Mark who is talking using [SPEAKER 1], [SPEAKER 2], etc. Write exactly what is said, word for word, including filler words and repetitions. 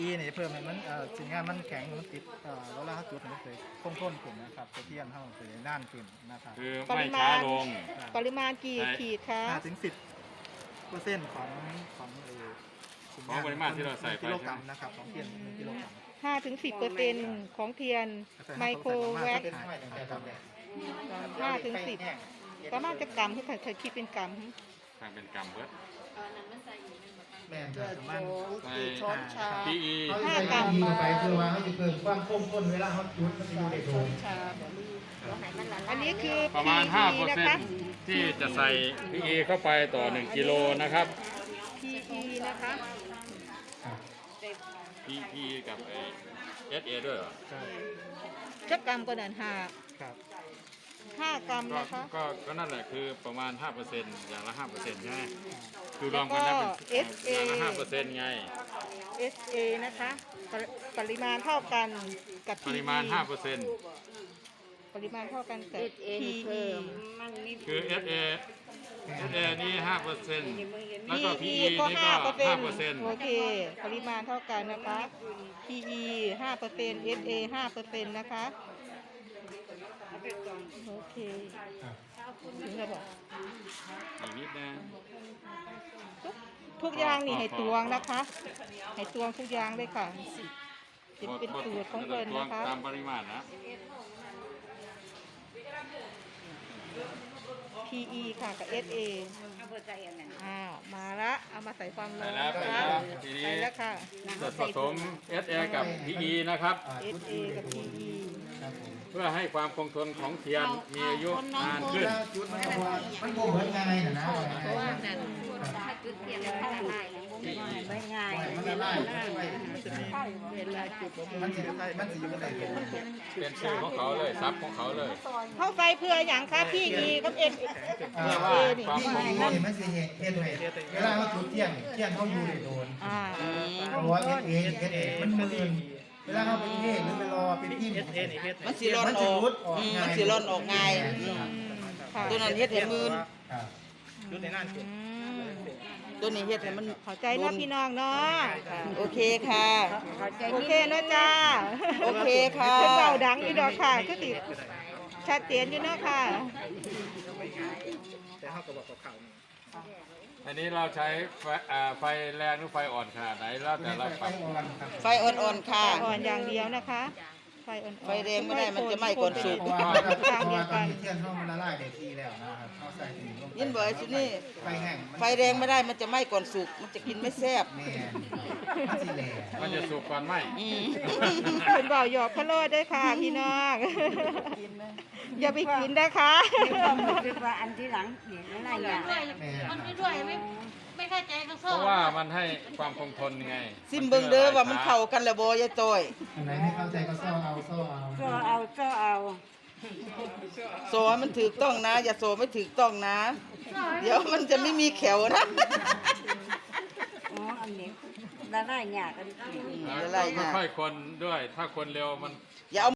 [SPEAKER 1] นี่เพิ่มให้มันเอ่อสิ่งงานมันแข็งมันติดเอ่อแล้วเราจุดมันเคยคงทนขึ้นนะครับเทียนเท่าเคยน่านขึ้นนะครับ
[SPEAKER 2] คือไม่ช้าลง
[SPEAKER 3] ปริมาณกี่ขีดคะ
[SPEAKER 1] ห้าถึงสิบเปอร์เซ็นต์ของของเอ่อสิ่ง
[SPEAKER 2] ของปริมาณที่เราใส่ไป
[SPEAKER 1] กิโลกรัมนะครับของเทียนหนึ่งกิโลกรัม
[SPEAKER 3] ห้าถึงสิบเปอร์เซ็นต์ของเทียนไมโครแวคห้าถึงสิบประมาณจะกรัมที่เคยคิดเป็นกรัม
[SPEAKER 2] ทางเป็นกรรมเบิด
[SPEAKER 1] แม่นครับประมาณ
[SPEAKER 2] ใส่
[SPEAKER 3] ช้อนชา
[SPEAKER 2] พีอี
[SPEAKER 3] ห้ากรัม
[SPEAKER 4] เข้าไปคือว่าเขาจะเพิ่มความคมข้นเวลาเขาจุดมันจะอยู่ในโดม
[SPEAKER 3] อันนี้คือ
[SPEAKER 2] ประมาณ ห้าเปอร์
[SPEAKER 3] นะ
[SPEAKER 2] เซ็น
[SPEAKER 3] คะ
[SPEAKER 2] ต์ที่จะใส่พีอีเข้าไปต่อหนึ่งกิโลนะครับ
[SPEAKER 3] พี อี นะคะ
[SPEAKER 2] พีอีกับเอสเอด้วยเหรอ
[SPEAKER 1] ใช่
[SPEAKER 3] จะกรัมก็นั่นห้า
[SPEAKER 1] ครับ
[SPEAKER 3] ห้ากรัม
[SPEAKER 2] ก็
[SPEAKER 3] นะคะ
[SPEAKER 2] ก็ก็นั่นแหละคือประมาณ ห้าเปอร์เซ็นต์ อย่างละ ห้าเปอร์เซ็นต์ใช่ไหมคือร
[SPEAKER 3] แล้ว ว
[SPEAKER 2] มกัน
[SPEAKER 3] ก็
[SPEAKER 2] แล้วเป็น
[SPEAKER 3] เอส เอ
[SPEAKER 2] อย่างละ ห้าเปอร์เซ็นต์ไง
[SPEAKER 3] เอส เอ นะคะปริปริมาณเท่ากันกับ
[SPEAKER 2] ป
[SPEAKER 3] พี
[SPEAKER 2] ริมาณ ห้าเปอร์เซ็นต์
[SPEAKER 3] ปริมาณเท่ากันกับ พี อี
[SPEAKER 2] คือ เอส เอ เอส เอ นี่ ห้าเปอร์เซ็นต์ แล้วก็ พี
[SPEAKER 3] พี
[SPEAKER 2] อี
[SPEAKER 3] อีก็
[SPEAKER 2] นี่
[SPEAKER 3] ห้า
[SPEAKER 2] ก็
[SPEAKER 3] เปอร์เซ็น
[SPEAKER 2] ห้า
[SPEAKER 3] ต์
[SPEAKER 2] เปอร์เซ็นต์
[SPEAKER 3] โอเค ปริมาณเท่ากันนะคะ พี อี ห้าเปอร์เซ็นต์ เอส เอ ห้าเปอร์เซ็นต์นะคะ โอเค ถึงแล้วบอก
[SPEAKER 2] อีกนิดนะ
[SPEAKER 3] ทุกทุกอย่างนี่ให้ตวงนะคะ ให้ตวงทุกอย่างเลยค่ะจะเป็นสูตรของเพิ่นนะคะ
[SPEAKER 2] ตามปริมาณนะ
[SPEAKER 3] พี อี ค่ะกับ เอส เอ อ้าว มาละ เอามาใส่ความร้
[SPEAKER 2] ใส่
[SPEAKER 3] อน
[SPEAKER 2] แล้ว
[SPEAKER 3] นะ
[SPEAKER 2] ใส่
[SPEAKER 3] คะ
[SPEAKER 2] แล้วทีนี้
[SPEAKER 3] ใส่แล้วค่ะ
[SPEAKER 2] ส่วนผสม เอส เอ กับ พี อี นะครับ
[SPEAKER 3] เอส เอ กับ พี อี
[SPEAKER 4] ครับผม
[SPEAKER 2] เพื่อให้ความคงทนของเทียนมีอายุนาน
[SPEAKER 4] เว
[SPEAKER 2] ขึ้น
[SPEAKER 4] ลาจุดมันก็ว่ามันก็เหมือนง่ายนะนะ
[SPEAKER 5] เพราะว่านั่นถ้าจุดเทียนแล้วถ้าละลายนะไม่ง่าย
[SPEAKER 4] มันละลาย
[SPEAKER 1] มันจะมี
[SPEAKER 5] เวลาจุด
[SPEAKER 1] มันจะมันจะอยู่ในโดม
[SPEAKER 2] เป็นชื่อของเขาเลยซับของเขาเลย
[SPEAKER 3] เข้าไปเพื่ออย่างค่ะพี อี กับ เอส
[SPEAKER 4] อ่า
[SPEAKER 3] เอ นี่
[SPEAKER 2] ความ
[SPEAKER 4] ที่นี่นี่มันสิเฮ็ดเฮ็ดให้เวลาเขาจุดเทียนเทียนเขาอยู่ในโดน
[SPEAKER 3] อ่า
[SPEAKER 4] เพราะว่าเอสเอเอสเอมันมืนเวลาเขาไปเทศหรือไปรอเป็นที่
[SPEAKER 1] เอสเอนี่เฮ็ด
[SPEAKER 6] มันสิร่อนออกอืมมันสิร่อนออกง่าย
[SPEAKER 3] อืมค่ะ
[SPEAKER 6] ตัวนั้นเฮ็ดให้มืน
[SPEAKER 4] ครับ
[SPEAKER 1] ยุดในน่านขึ้น
[SPEAKER 3] อืม
[SPEAKER 6] ตัวนี้เฮ็ดให้มัน
[SPEAKER 3] เข้าใจเนาะพี่น้องเนาะ
[SPEAKER 6] โอเคค่ะ
[SPEAKER 3] โอเคนะจ้า
[SPEAKER 6] โอเคค่ะ
[SPEAKER 3] เพิ่นเบาดังอยู่ดอกค่ะก็ติชัดเจนอยู่เนาะค่ะ
[SPEAKER 1] แต่เขาก็บอกกับเขานี่
[SPEAKER 2] อันนี้เราใช้ไฟอ่าไฟแรงหรือไฟอ่อนขนาดไหนแล้วแต่เราปรับ
[SPEAKER 6] ไฟอ่อนๆค่ะ
[SPEAKER 3] อ่อนอย่างเดียวนะคะ ไฟอ่อนๆ
[SPEAKER 6] ไฟแรงไม่ได้มันจะไหม้ก่อนสุก
[SPEAKER 4] เพราะว่าเพราะว่าตอนนี้เทียนเขามันละลายได้ที่แล้วนะครับเขาใส่ถึงลงไป
[SPEAKER 6] ยินบ่อยสินี่
[SPEAKER 4] ไฟแห้ง
[SPEAKER 6] ไฟแรงไม่ได้มันจะไหม้ก่อนสุก มันจะกินไม่แซ่บ
[SPEAKER 4] แม่มันสิแหล่
[SPEAKER 2] มันจะสุกก่อนไหม
[SPEAKER 6] อืม
[SPEAKER 3] เป็นเบาหยอกพะโล้ด้วยค่ะพี่น้องอย่าไปกินนะคะ
[SPEAKER 5] คิดว่าอันที่หลังเห็นอะไรอย่าง
[SPEAKER 4] แม่
[SPEAKER 5] มันไม่ด้วยไม่ไม่เข้าใจเขา
[SPEAKER 2] เพ
[SPEAKER 5] ซ่อ
[SPEAKER 2] ราะว่ามันให้ความคงทนไง
[SPEAKER 6] ซิมเบิ่งเด้อว่ามันเข้ากันแล้วบ่ยายต้อย
[SPEAKER 4] อันไหนไม่เข้าใจก็ซ่อเอาซ่อเอา
[SPEAKER 5] ก็เอาก็เอา
[SPEAKER 6] โซให้มันถูกต้องนะ อย่าโซไม่ถูกต้องนะ เดี๋ยวมันจะไม่มีแขวนะ
[SPEAKER 5] อ๋ออันนี้ละลายหยากัน
[SPEAKER 6] ละลายหยา
[SPEAKER 2] ค่อยๆคนด้วย ถ้าคนเร็วมัน
[SPEAKER 6] อย่าเอา